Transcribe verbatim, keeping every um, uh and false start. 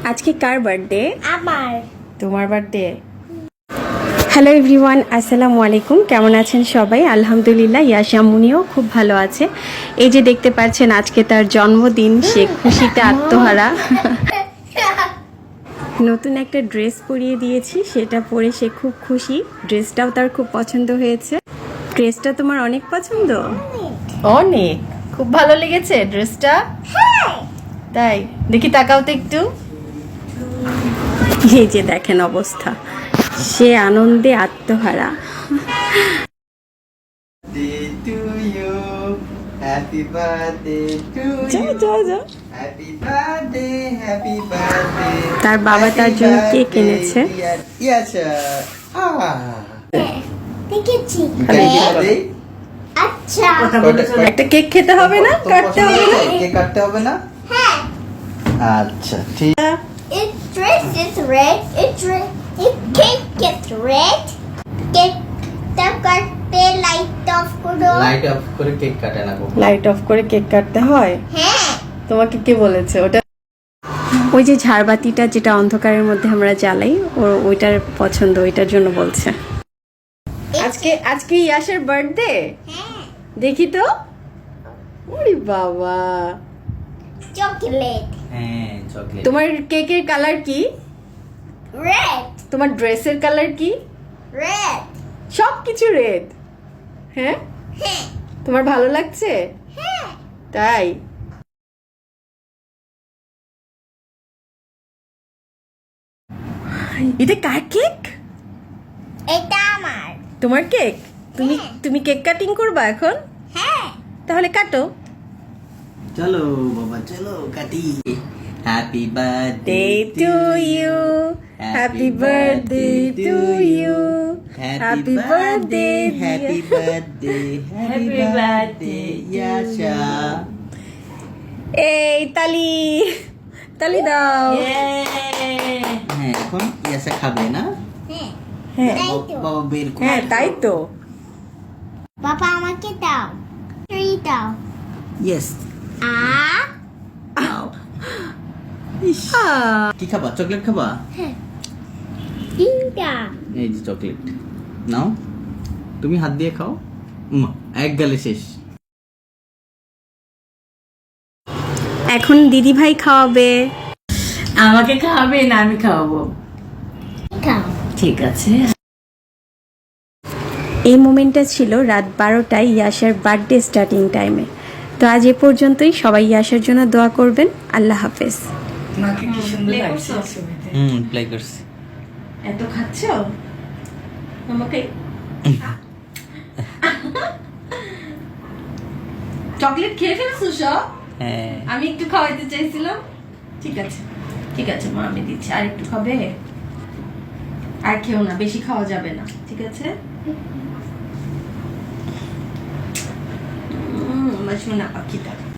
আজকে কার বার্থডে? আমার। তোমার বার্থডে। হ্যালো এভরিওয়ান, আসসালামু আলাইকুম। কেমন আছেন সবাই? আলহামদুলিল্লাহ, ইয়াশামুনিও খুব ভালো আছে। এই যে দেখতে পাচ্ছেন আজকে তার জন্মদিন, সে খুশিতে আত্মহারা। নতুন একটা ড্রেস পরিয়ে দিয়েছি, সেটা পরে সে খুব খুশি। ড্রেসটাও তার খুব পছন্দ হয়েছে। ড্রেসটা তোমার অনেক পছন্দ? অনেক, খুব ভালো লেগেছে ড্রেসটা? তাই, দেখি তাকাও তো একটু। এই যে দেখেন অবস্থা, সে আনন্দে আত্মহারা। Happy birthday to যাও you. যাও যাও। Happy birthday, happy birthday. তার বাবা Happy তার জন্য কেক birthday, এনেছে। dear Yasha. Ah. দেখেছি। Birthday. আচ্ছা। একটা কেক খেতে হবে না? কাটতে হবে না? কেক কাটতে হবে না? হ্যাঁ। আচ্ছা ঠিক। It dress is red. It dress. It cake gets red. Cake টা কাটতে লাইট অফ করো। লাইট অফ করে কেক কাটে না গো। লাইট অফ করে কেক কাটতে হয়? হ্যাঁ। তোমাকে কে বলেছে ওটা? ওই যে ঝাড়বাতিটা যেটা অন্ধকারের মধ্যে আমরা জ্বালাই, ওর ওইটার পছন্দ, ওইটার জন্য বলছে। আজকে আজকে ইয়াশের বার্থডে। হ্যাঁ। দেখি তো। ওরে বাবা, চকলেট। হ্যাঁ চকলেট। তোমার কেকের কালার কি? রেড। তোমার ড্রেসের কালার কি? রেড। সব কিছু রেড। হ্যাঁ, হ্যাঁ। তোমার ভালো লাগছে? হ্যাঁ। তাই। এটা কার কেক? এটা আমার। তোমার কেক? তুমি হ্যাঁ। তুমি কেক কাটিং করবা এখন? হ্যাঁ। তাহলে কাটো। চলো বাবা চলো কাটি। Happy birthday Day to you, happy birthday to you, happy birthday, happy dear. Birthday happy Happy birthday birthday to Yasha. এই তালি, তালি দাও। হ্যাঁ এখন ইয়াশা খাবে না? হ্যাঁ। হ্যাঁ তাই তো। বাবা বের করে হ্যাঁ তাই তো। বাবা আমাকে দাও। ট্রি দাও। ইয়েস। আ আহ, কি খাবা? চকলেট খাবা? তিনটা। এই যে চকলেট নাও, তুমি হাত দিয়ে খাও। উম, এক গালে শেষ। এখন দিদি ভাই খাওয়াবে। আমাকে খাওয়াবে না আমি খাওয়াবো? খাও। ঠিক আছে। এই মোমেন্টটা ছিল রাত বারোটায় ইয়াসার বার্থডে স্টার্টিং টাইমে। তো আজ এ পর্যন্তই। সবাই ইয়াসার জন্য দোয়া করবেন। আল্লাহ হাফেজ। মাকে কি সুন্দর লাগছে ছবিতে। হুম প্লে করছি। এত খাচ্ছ আমাকে? চকলেট খেয়ে ফেলছো সব? হ্যাঁ আমি একটু খাওয়াইতে চাইছিলাম। ঠিক আছে ঠিক আছে মা, আমি দিচ্ছি। আর একটু খাবে? আর খেও না, বেশি খাওয়া যাবে না, ঠিক আছে? উম, আমার সোনা পাখিটা।